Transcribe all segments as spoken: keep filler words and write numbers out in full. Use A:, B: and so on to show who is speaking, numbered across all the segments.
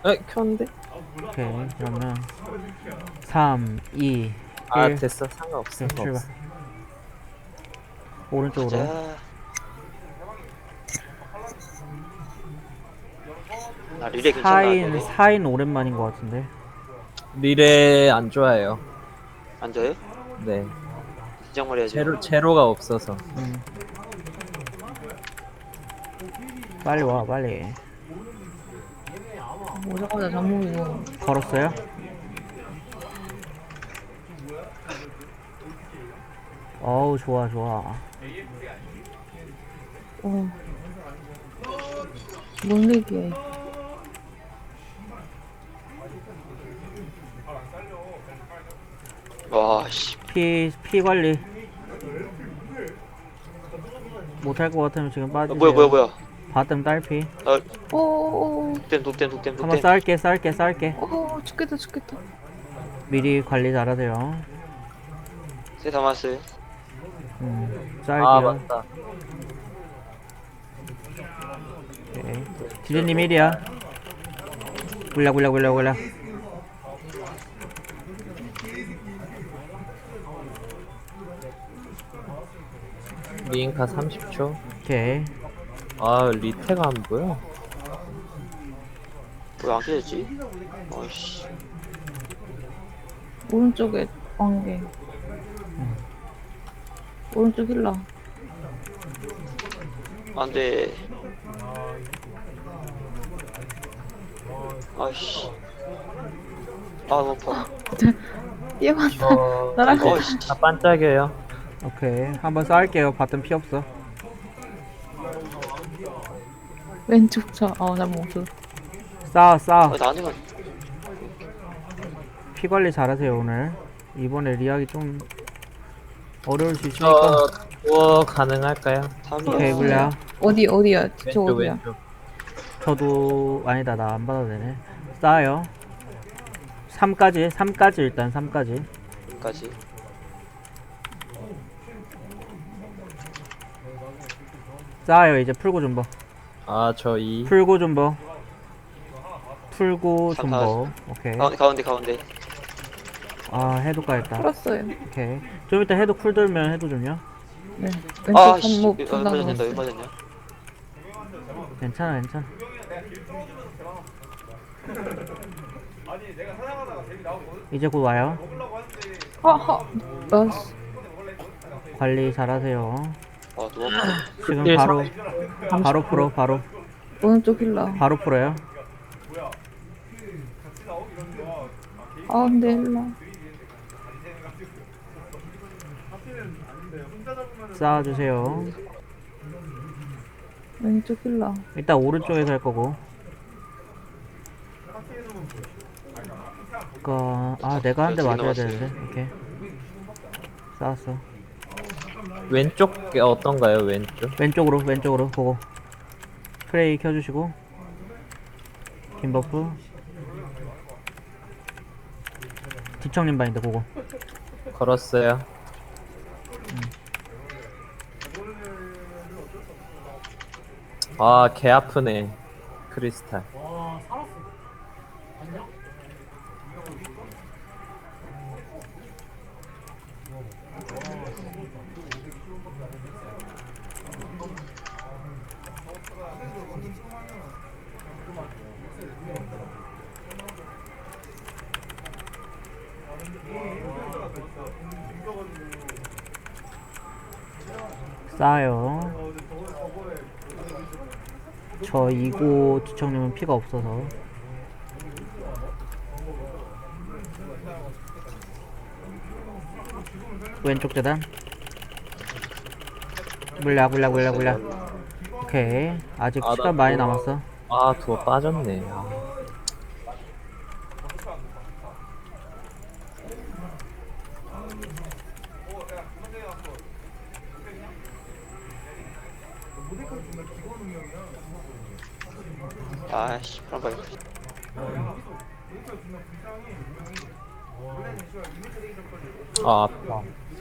A: 에 켰는데?
B: 오케이. 그러면 삼, 이,
A: 아
B: 일.
A: 됐어. 상관없어.
B: 오케이, 출발.
A: 상관없어.
B: 오른쪽으로.
C: 가자. 나 리레 괜찮나
B: 사인,
C: 너네?
B: 사인 오랜만인 것 같은데.
A: 리레 안 좋아해요.
C: 안 돼요?
A: 네.
C: 진작 말해야지.
A: 제로 제로가 없어서.
B: 음. 빨리 와, 빨리.
D: 오자마자 잠몽이고.
B: 걸었어요? 어우, 좋아, 좋아.
D: 어. 뭔 얘기해.
C: 와 씨.
B: 피, 피 관리. 못할 것 같으면 지금
C: 아,
B: 빠지세요.
C: 뭐야 뭐야 뭐야.
B: 바텀 딸피.
C: 아
D: 어어어.
C: 독댐 독댐 독댐
B: 한번
C: 독댐.
B: 쌀게, 쌀게, 쌀게.
D: 어, 죽겠다, 죽겠다.
B: 미리 관리 잘하세요.
C: 세 담았어요.
B: 음,
A: 아
B: 쌀게요.
A: 맞다.
B: 오케이. 디즈님 일이야. 굴려, 굴려, 굴려, 굴려.
A: 리인카 삼십 초.
B: 오케이.
A: 아 리테가 안 보여.
C: 왜 안 깨졌지? 아이씨.
D: 오른쪽에 번개. 오른쪽 힐러.
C: 안돼. 아이씨. 아 너무 아파.
D: 뛰어간다.
A: 어,
D: 나랑
C: 어, 씨.
A: 다 반짝여요.
B: 오케이. 한번 쌀게요. 바텀 피 없어.
D: 왼쪽 차. 어, 나 못.
B: 싸, 싸.
C: 아, 나는
B: 피 관리 잘하세요, 오늘. 이번에 리학이 좀 어려울 수 있으니까.
A: 저 도어 가능할까요?
B: 오케이,
C: 탐이야.
B: 굴려.
D: 어디, 어디야? 저
A: 왼쪽
D: 어디야?
A: 왼쪽.
B: 저도 아니다. 나 안 받아도 되네. 싸요. 삼까지. 삼까지 일단 삼까지.
C: 까지.
B: 싸요. 이제 풀고 좀 봐.
A: 아저 이.
B: 풀고 좀 봐. 풀고 좀
C: 삼,
B: 봐.
C: 사.
B: 오케이.
C: 가운데 가운데 가운데.
B: 아, 해도 까였다.
D: 풀었어요.
B: 오케이. 좀 이따 해도 쿨 돌면 해도 좀요.
D: 네. 왼쪽
C: 아씨.
D: 손목
C: 왜
D: 둘다
C: 맞았냐? 왜
D: 넣었어요.
C: 맞았냐?
B: 괜찮아, 괜찮아. 이제 곧 와요.
D: 하하. 나이스.
B: 관리 잘하세요.
C: 아 너무 아파.
B: 지금
A: 일,
B: 바로 바로 풀어. 바로
D: 오른쪽 힐러.
B: 바로 풀어요.
D: 가운데 힐러.
B: 쌓아주세요.
D: 왼쪽 힐러.
B: 일단 오른쪽에서 할 거고. 그니까 아 내가 한 대 맞아야 되는데. 오케이. 쌓았어.
A: 왼쪽 게 어떤가요? 왼쪽?
B: 왼쪽으로 왼쪽으로 보고. 프레이 켜주시고. 긴 버프. 디청님 바인드 보고.
A: 걸었어요. 아 개 아프네. 크리스탈.
B: 쌓아요. 저 이고 디청님은 피가 없어서. 왼쪽 재단. 물약 물약 물약 물약. 오케이. 아직
A: 아, 나
B: 시간 많이
A: 그거-
B: 남았어.
A: 아 도어 빠졌네. 아.
C: 아씨. 그럼 봐.
A: 아 아파.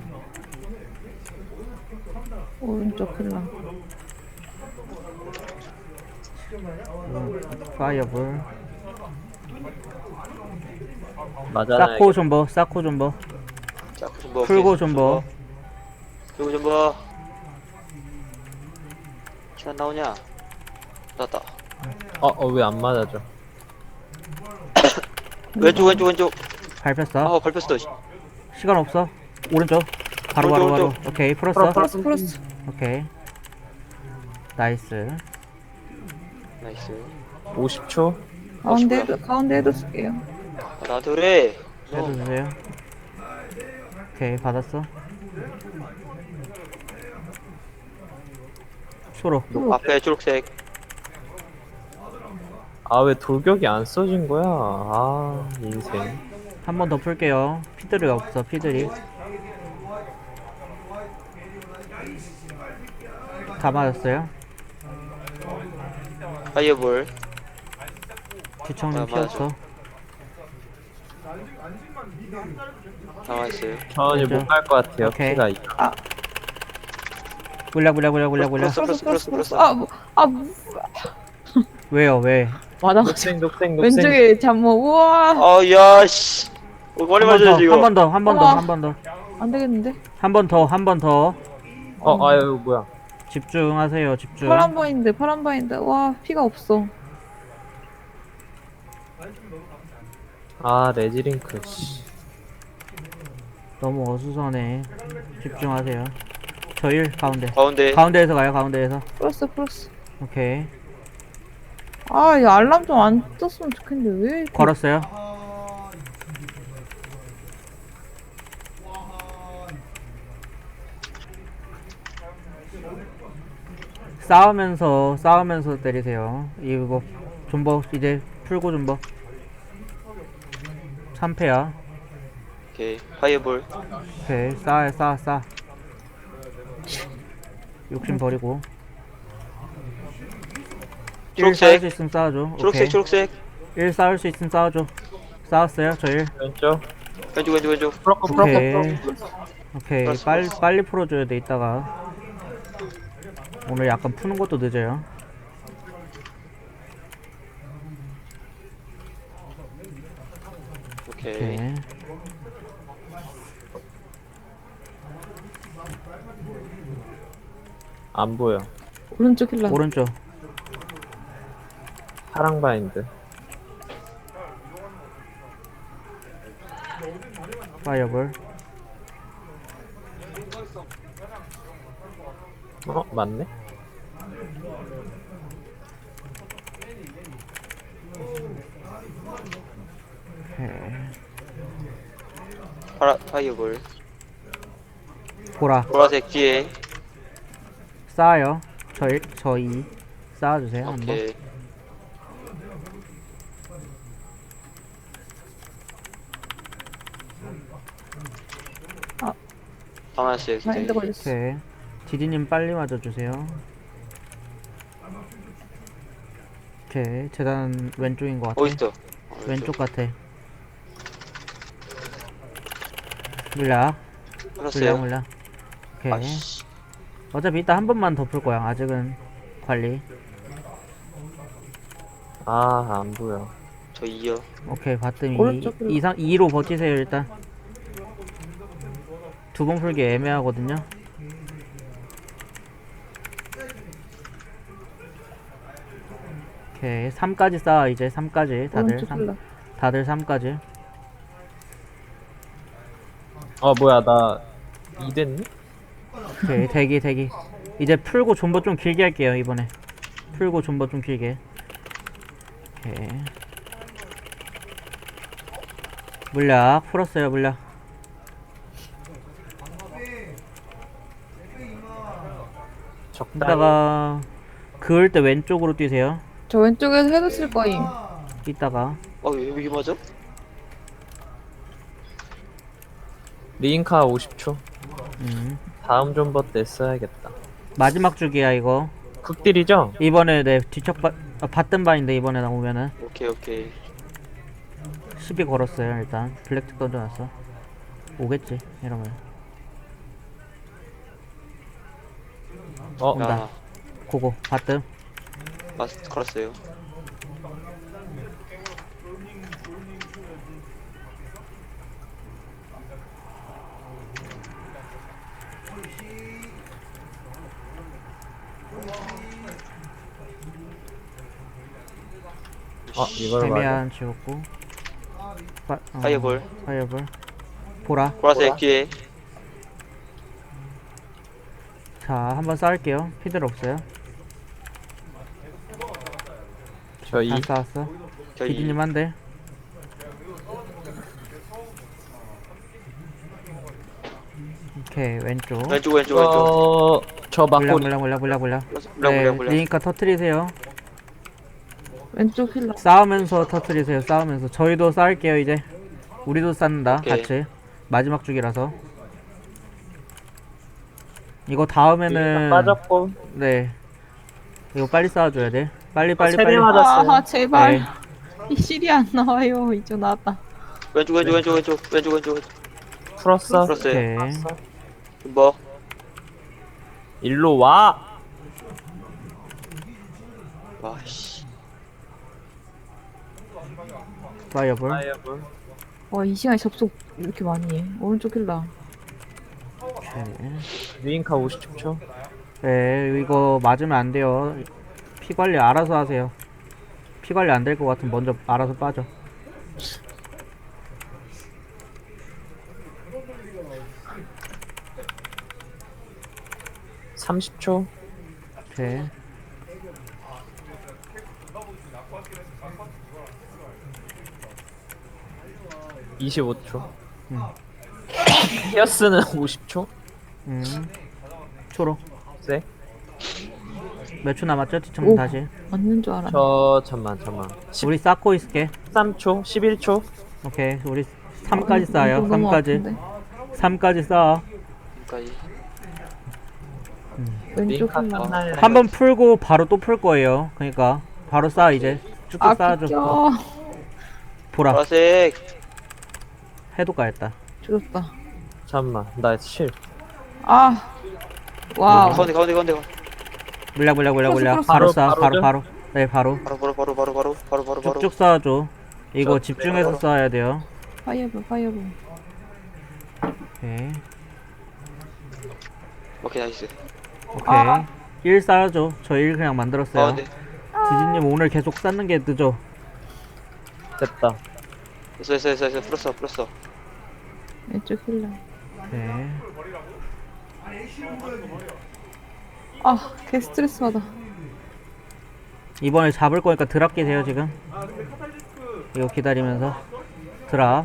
D: 오른쪽 힐러.
B: 음, 파이어볼.
A: 맞아요.
B: 사코 존버 사코 존버
C: 자, 존버.
B: 풀고
C: 오케이.
B: 존버
C: 풀고 존버. 키안 나오냐? 나왔다.
A: 어, 어, 왜 안 맞아져?
C: 왼쪽, 왼쪽, 왼쪽.
B: 밟혔어
C: 아, 밟혔어. 씨.
B: 시간 없어 오른쪽 바로 바로
C: 오른쪽,
B: 바로
C: 오른쪽.
B: 오케이 풀었어
D: 플러스 플러스.
B: 오케이 나이스
C: 나이스.
A: 오십 초?
D: 가운데에도 가운데에도 쓸게요.
C: 아, 나한테 그래.
B: 해도 주세요 오케이 받았어 초록
C: 앞에 초록색.
A: 아, 왜 돌격이 안 써진 거야? 아, 인생.
B: 한 번 더 풀게요 피들이 없어 피들이 다 맞았어요
C: 파이어볼.
B: 뒤청님
C: 아,
B: 피
C: 맞아.
B: 없어
C: 나와있어요.
A: 저는
B: 그죠?
A: 못 갈 것 같아요.
B: 오케이.
A: 피가 이-
B: 물약 물약 물약 물약 물약
C: 플러스,
D: 플러스 플러스
C: 플러스,
D: 플러스. 아, 뭐, 아 뭐,
B: 왜요 왜
D: 맞아.
A: 녹색, 녹색, 녹색.
D: 왼쪽에 잠모. 우와.
C: 아, 야, 씨. 어, 머리 맞아야지, 이거.
B: 한 번 더 한 번 더
D: 우와.
B: 한 번 더
D: 안 되겠는데?
B: 한 번 더 한 번 더
A: 어, 아유, 뭐야.
B: 집중하세요 집중
D: 파란 바인드, 파란 바인드. 와, 피가 없어.
A: 아, 레지링크, 씨.
B: 너무 어수선해 집중하세요 저일 가운데
C: 가운데.
B: 가운데에서 가요 가운데에서
D: 플러스 플러스.
B: 오케이
D: 아, 이 알람 좀 안 떴으면 좋겠는데 왜? 이렇게-
B: 걸었어요 싸우면서 싸우면서 때리세요 이거 존버 이제 풀고 존버 삼 패야
C: 오케이. 파이어볼.
B: 오케이 싸해 싸싸 욕심 버리고 일 싸울
C: 초록색.
B: 수 있으면 싸워줘
C: 초록색,
B: 오케이
C: 초록색.
B: 일 싸울 수 있으면 싸워줘 싸웠어요 저 일
A: 왼쪽.
C: 왼쪽, 왼쪽, 왼쪽.
A: 프로커, 프로커,
B: 오케이
A: 프로커.
B: 오케이
C: 플러스,
B: 빨리
C: 플러스.
B: 빨리 풀어줘야 돼 이따가 오늘 약간 푸는 것도 늦어요
C: 오케이.
B: 오케이
A: 안 보여.
D: 오른쪽 힐러.
B: 오른쪽
A: 파랑 바인드.
B: 파이어볼
A: 어, 맞네?
B: 오케이
C: 파라, 파이어볼.
B: 보라
C: 보라색 뒤에.
B: 쌓아요 저 일, 저 이 쌓아주세요 한번
C: 오케이.
D: 아.
C: 하나씩.
D: 바인드 걸렸어.
B: 오케이 디디님 빨리 맞아주세요 오케이 재단 왼쪽인 것 같아
C: 어딨어? 어,
B: 왼쪽 같아 물약 물약
C: 풀었어요.
B: 물약 오케이
C: 아씨.
B: 어차피 이따 한 번만 더 풀 거야 아직은 관리
A: 아, 안 보여.
C: 저 이요.
B: 오케이 봤더니
D: 오른쪽으로.
B: 이 상 이로 버티세요 일단 두 번 풀기 애매하거든요 오케이 삼까지 쌓아 이제 삼까지 다들
D: 오른쪽
B: 삼,
D: 힐러.
B: 다들 삼까지
A: 어, 뭐야, 나 이 됐니?
B: 오케이 대기 대기 이제 풀고 존버 좀 길게 할게요 이번에 풀고 존버 좀 길게 오케이 물약 풀었어요 물약
A: 적당히.
B: 이따가 그을 때 왼쪽으로 뛰세요
D: 저 왼쪽에서 헤드 쓸 거임.
B: 이따가
C: 어, 왜 여기 맞아?
A: 리인카 오십 초.
B: 음.
A: 다음 존버 때 써야겠다.
B: 마지막 주기야 이거
A: 극딜이죠?
B: 이번에 내 뒤척 바, 아, 받던 바인데 이번에 나오면은
C: 오케이, 오케이.
B: 시비 걸었어요 일단 블랙틱 던져놨어 오겠지 이러면
A: 어,
B: 온다.
C: 야,
B: 고고 받든
C: 마스 걸었어요.
A: 아 이걸 맞아.
B: 데미안 지웠고 파, 어,
C: 파이어볼.
B: 파이어볼 보라.
C: 보라색 뒤에.
B: 자 한번 쌓을게요. 피들 없어요.
A: 저 이.
B: 다 쌓았어.
C: 저희
B: 비디님 한대. 오케이 왼쪽.
C: 왼쪽 왼쪽 왼쪽.
A: 어, 저
B: 물량
A: 막고리.
B: 물량 물량 물량 물량.
C: 물량
B: 네,
C: 물량 물량.
B: 리니까 터트리세요.
D: 왼쪽 힐러.
B: 싸우면서 터트리세요. 싸우면서 저희도 쌓을게요 이제. 우리도 쌓는다
C: 오케이.
B: 같이. 마지막 주기라서. 이거 다음에는
A: 빠졌고.
B: 네. 이거 빨리 쌓아줘야 돼. 빨리 빨리
A: 세대
B: 빨리.
A: 맞았어요.
D: 아 제발.
B: 네.
D: 이 실이 안 나와요. 이제 나왔다.
C: 왼쪽 왼쪽 왼쪽 왼쪽 왼쪽 왼쪽 왼쪽.
A: 풀었어.
C: 플러스.
B: 오케이.
C: 뭐?
A: 일로 와.
C: 와씨.
B: 파이어볼.
A: 파이어볼.
D: 와 이 시간에 접속 이렇게 많이 해. 오른쪽 힐러.
B: 오케이.
A: 유인카 오십 초.
B: 네, 이거 맞으면 안 돼요. 피 관리 알아서 하세요. 피 관리 안 될 것 같으면 먼저 알아서 빠져.
A: 삼십 초.
B: 오케이.
A: 이십오 초.
B: 음.
A: 히어스는 오십 초.
B: 음. 초로.
A: 네.
B: 몇 초 남았죠? 뒤청
D: 오.
B: 다시.
D: 맞는 줄 알았네.
A: 저 잠만 잠만.
B: 우리 쌓고 있을게.
A: 십삼 초. 십일 초.
B: 오케이. 우리 삼까지 쌓아요.
D: 이거 너무
B: 삼까지.
D: 아픈데.
B: 삼까지 쌓아.
C: 여기까지.
D: 왼쪽
A: 링카
D: 힐러.
A: 끝날래.
B: 한 번 풀고 바로 또 풀 거예요. 그러니까 바로 쌓아 이제. 쭉쭉
D: 아
B: 쌓아줘.
D: 비켜.
B: 보라.
C: 보라색.
B: 해도 가했다.
D: 죽었다.
A: 잠만. 나 실.
D: 아. 와우.
C: 가운데 가운데 가운데.
B: 물량 물량 물량 물량.
D: 풀었어,
B: 바로
A: 풀었어.
B: 쌓아. 바로
A: 바로죠?
B: 바로. 네 바로.
C: 바로 바로 바로 바로 바로 바로 바로 바로.
B: 쭉쭉 쌓아줘. 이거
C: 저-
B: 집중해서
C: 바로.
B: 쌓아야 돼요.
D: 파이어볼 파이어볼.
B: 오케이.
C: 오케이 나이스.
B: 오케이.
D: 아.
B: 일 쌓아줘. 저 일 그냥 만들었어요.
C: 가운데.
B: 디즈님 오늘 계속 쌓는 게 늦어.
A: 됐다.
C: 됐어 됐어 됐어 됐어. 풀었어 풀었어.
D: 왼쪽 힐러.
B: 오케이.
D: 아, 개 스트레스 받아.
B: 이번에 잡을 거니까 드랍 끼세요 지금. 이거 기다리면서 드랍.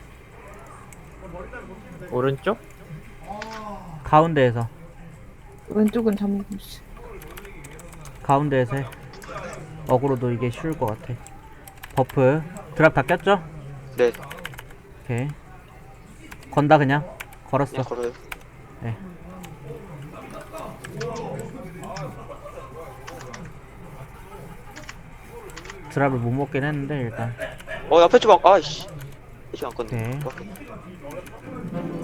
A: 오른쪽?
B: 가운데에서
D: 왼쪽은 잠못 씨.
B: 가운데에서 해. 어그로도 이게 쉬울 것 같아. 버프 드랍 다 꼈죠?
C: 네.
B: 오케이. 건다 그냥 걸었어.
C: 그냥 걸어요.
B: 네. 드랍을 못 먹긴 했는데 일단.
C: 어 앞에 좀 안- 아이씨. 이쪽 안 건데.
B: 네.
C: 오케이.